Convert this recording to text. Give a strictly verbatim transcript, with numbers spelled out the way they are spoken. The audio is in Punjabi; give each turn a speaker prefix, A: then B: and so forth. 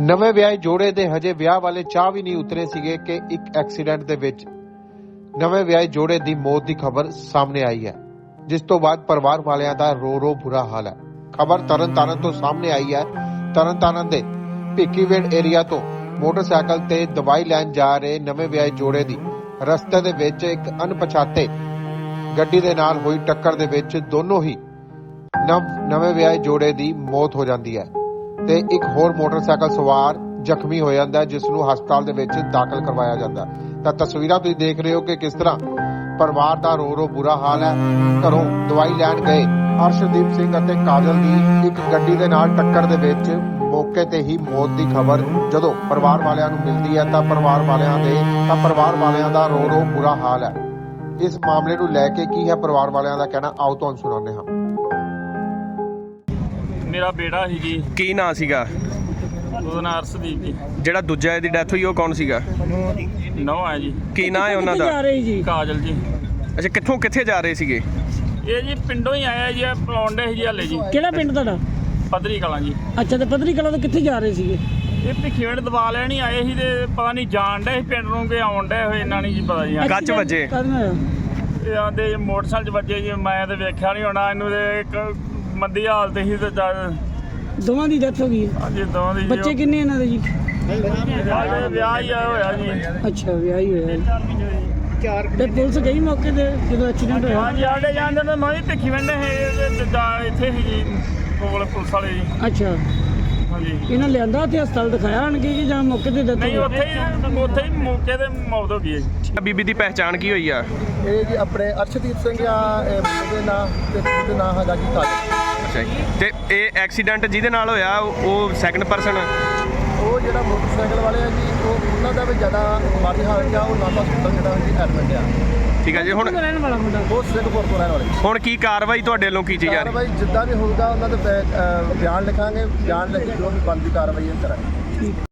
A: ਨਵੇਂ ਵਿਆਹੇ ਜੋੜੇ ਦੇ ਹਜੇ ਵਿਆਹ ਵਾਲੇ ਚਾਹ ਵੀ ਨਹੀਂ ਉਤਰੇ ਸੀਗੇ ਕਿ ਇੱਕ ਐਕਸੀਡੈਂਟ ਦੇ ਵਿੱਚ ਨਵੇਂ ਵਿਆਹੇ ਜੋੜੇ ਦੀ ਮੌਤ ਦੀ ਖਬਰ ਸਾਹਮਣੇ ਆਈ ਹੈ, ਜਿਸ ਤੋਂ ਬਾਅਦ ਪਰਿਵਾਰ ਵਾਲਿਆਂ ਦਾ ਰੋ ਰੋ ਬੁਰਾ ਹਾਲ ਹੈ। ਖਬਰ ਤਰਨਤਾਰਨ ਤੋਂ ਸਾਹਮਣੇ ਆਈ ਹੈ। ਤਰਨਤਾਰਨ ਦੇ ਭਿੱਖੀਵਿੰਡ ਏਰੀਆ ਤੋਂ ਮੋਟਰਸਾਈਕਲ ਤੇ ਦਵਾਈ ਲੈਣ ਜਾ ਰਹੇ ਨਵੇਂ ਵਿਆਹੇ ਜੋੜੇ ਦੀ ਰਸਤੇ ਦੇ ਵਿੱਚ ਇੱਕ ਅਣਪਛਾਤੇ ਗੱਡੀ ਦੇ ਨਾਲ ਹੋਈ ਟੱਕਰ ਦੇ ਵਿੱਚ ਦੋਨੋਂ ਹੀ ਨਵੇਂ ਵਿਆਹੇ ਜੋੜੇ ਦੀ ਮੌਤ ਹੋ ਜਾਂਦੀ ਹੈ ਤੇ ਇੱਕ ਹੋਰ ਮੋਟਰਸਾਈਕਲ ਸਵਾਰ ਜ਼ਖਮੀ ਹੋ ਜਾਂਦਾ, ਜਿਸ ਨੂੰ ਹਸਪਤਾਲ ਦੇ ਵਿੱਚ ਦਾਖਲ ਕਰਵਾਇਆ ਜਾਂਦਾ। ਤਾਂ ਤਸਵੀਰਾਂ ਤੁਸੀਂ ਦੇਖ ਰਹੇ ਹੋ ਕਿ ਕਿਸ ਤਰ੍ਹਾਂ ਪਰਿਵਾਰ ਦਾ ਰੋ ਰੋ ਬੁਰਾ ਹਾਲ ਹੈ। ਘਰੋਂ ਦਵਾਈ ਲੈਣ ਗਏ ਅਰਸ਼ਦੀਪ ਸਿੰਘ ਅਤੇ ਕਾਜਲ ਦੀ ਇੱਕ ਗੱਡੀ ਦੇ ਨਾਲ ਟੱਕਰ ਦੇ ਵਿੱਚ ਮੌਕੇ ਤੇ ਹੀ ਮੌਤ ਦੀ ਖਬਰ ਜਦੋਂ ਪਰਿਵਾਰ ਵਾਲਿਆਂ ਨੂੰ ਮਿਲਦੀ ਹੈ ਤਾਂ ਪਰਿਵਾਰ ਵਾਲਿਆਂ ਦੇ ਤਾਂ ਪਰਿਵਾਰ ਵਾਲਿਆਂ ਦਾ ਰੋ ਰੋ ਬੁਰਾ ਹਾਲ ਹੈ। ਇਸ ਮਾਮਲੇ ਨੂੰ ਲੈ ਕੇ ਕੀ ਹੈ ਪਰਿਵਾਰ ਵਾਲਿਆਂ ਦਾ ਕਹਿਣਾ, ਆਓ ਤੁਹਾਨੂੰ ਸੁਣਾਉਂਦੇ ਹਾਂ।
B: ਮੇਰਾ ਬੇਟਾ ਸੀ ਜੀ।
C: ਕੀ ਨਾਂ ਸੀਗਾ
B: ਉਹਦਾ ਨਾਂ ਅਰਸ਼ਦੀਪ ਜੀ।
C: ਜਿਹੜਾ ਦੂਜਾ ਇਹਦੀ ਡੈਥ ਹੋਈ ਉਹ ਕੌਣ ਸੀਗਾ?
B: ਨੌ ਹੈ ਜੀ।
C: ਕੀ ਨਾਂ ਹੈ ਉਹਨਾਂ ਦਾ?
B: ਕਾਜਲ ਜੀ।
C: ਅੱਛਾ, ਕਿੱਥੋਂ ਕਿੱਥੇ ਜਾ ਰਹੇ ਸੀਗੇ?
B: ਇਹ ਜੀ ਪਿੰਡੋਂ ਹੀ ਆਇਆ ਜੀ, ਪਲੌਂਡੇ ਸੀ ਜੀ ਹਲੇ ਜੀ।
D: ਕਿਹੜਾ ਪਿੰਡ ਤੁਹਾਡਾ?
B: ਪੱਧਰੀ ਕਲਾਂ ਜੀ।
D: ਅੱਛਾ, ਤੇ ਪੱਧਰੀ ਕਲਾਂ ਤੋਂ ਕਿੱਥੇ ਜਾ ਰਹੇ ਸੀਗੇ?
B: ਇਹ ਭਿੱਖੀਵਿੰਡ ਦਵਾ ਲੈਣ ਹੀ ਆਏ ਸੀ ਤੇ ਪਤਾ ਨਹੀਂ ਜਾਣ ਡੇ ਸੀ ਪਿੰਡ ਨੂੰ ਕਿ ਆਉਣ ਡੇ ਹੋਏ, ਇਹਨਾਂ ਨਹੀਂ ਜੀ ਪਤਾ ਜੀ।
C: ਕੱਚ ਵੱਜੇ?
B: ਇਹ ਆਂਦੇ ਮੋਟਰਸਾਈਕਲ 'ਚ ਵੱਜੇ ਜੀ। ਮੈਂ ਤੇ ਵੇਖਿਆ ਨਹੀਂ ਹੋਣਾ ਇਹਨੂੰ, ਤੇ ਇੱਕ ਮੰਦੀ ਹਾਲਤ ਸੀ ਤੇ
D: ਦੋਵਾਂ ਦੀ ਡੈਥ ਹੋ ਗਈ ਹੈ?
B: ਹਾਂਜੀ, ਦੋਵਾਂ ਦੀ।
D: ਬੱਚੇ ਕਿੰਨੇ ਇਹਨਾਂ ਦੇ ਜੀ?
B: ਵਿਆਹ ਹੀ ਹੋਇਆ ਜੀ।
D: ਅੱਛਾ, ਵਿਆਹ ਹੀ ਹੋਇਆ। ਤੇ ਪੁਲਿਸ ਗਈ ਮੌਕੇ ਤੇ ਜਦੋਂ ਐਕਸੀਡੈਂਟ ਹੋਇਆ?
B: ਹਾਂਜੀ, ਆਡੇ ਜਾਂਦੇ ਨੇ। ਮੈਂ ਵੀ ਭਿੱਖੀਵਿੰਡ ਇੱਥੇ ਸੀ ਜੀ ਕੋਲ ਪੁਲਿਸ ਵਾਲੇ ਜੀ।
D: ਅੱਛਾ,
B: ਹਾਂਜੀ।
D: ਇਹਨਾਂ ਲਿਆਂਦਾ ਉੱਥੇ ਹਸਪਤਾਲ ਦਿਖਾਇਆ ਆਣਗੇ ਕਿ ਜਾਂ ਮੌਕੇ ਤੇ ਡੈਥ?
B: ਨਹੀਂ, ਉੱਥੇ ਹੀ ਉੱਥੇ ਹੀ ਮੌਕੇ ਤੇ ਮੌਤ ਹੋ ਗਈ ਹੈ ਜੀ।
C: ਬੀਬੀ ਦੀ ਪਹਿਚਾਣ ਕੀ ਹੋਈ ਆ?
E: ਇਹ ਜੀ ਆਪਣੇ ਅਰਸ਼ਦੀਪ ਸਿੰਘ ਆ, ਇਹ ਮੁੰਡੇ ਦੇ ਨਾਂ ਤੇ ਉਹਦੇ ਨਾਂ ਹੈਗਾ ਜੀ ਕਾਜਲ।
C: ਅੱਛਾ ਜੀ। ਤੇ ਇਹ ਐਕਸੀਡੈਂਟ ਜਿਹਦੇ ਨਾਲ ਹੋਇਆ ਉਹ ਸੈਕੰਡ ਪਰਸਨ?
E: ਉਹ ਜਿਹੜਾ ਮੋਟਰਸਾਈਕਲ ਵਾਲੇ ਆ ਜੀ, ਉਹ ਉਹਨਾਂ ਦਾ ਵੀ ਜ਼ਿਆਦਾ ਮਾੜੀ ਹਾਲਤ ਆ। ਉਹ ਨਾਭਾ ਹਸਪਤਾਲ ਜਿਹੜਾ ਜੀ ਐਡਮਿਟ ਆ।
C: ਠੀਕ ਹੈ ਜੀ। ਹੁਣ
D: ਰਹਿਣ ਵਾਲਾ ਮੁੰਡਾ
E: ਉਹ ਸਿੰਘਪੁਰ ਤੋਂ ਰਹਿਣ ਵਾਲੇ।
C: ਹੁਣ ਕੀ ਕਾਰਵਾਈ ਤੁਹਾਡੇ ਵੱਲੋਂ ਕੀਤੀ ਜਾ ਰਹੀ?
E: ਕਾਰਵਾਈ ਜਿੱਦਾਂ ਵੀ ਹੋਊਗਾ ਉਹਨਾਂ ਦੇ ਬਿਆਨ ਲਿਖਾਂਗੇ, ਬਿਆਨ ਲਿਖ ਕੇ ਜੋ ਵੀ ਬਣਦੀ ਕਾਰਵਾਈ ਕਰਾਂਗੇ।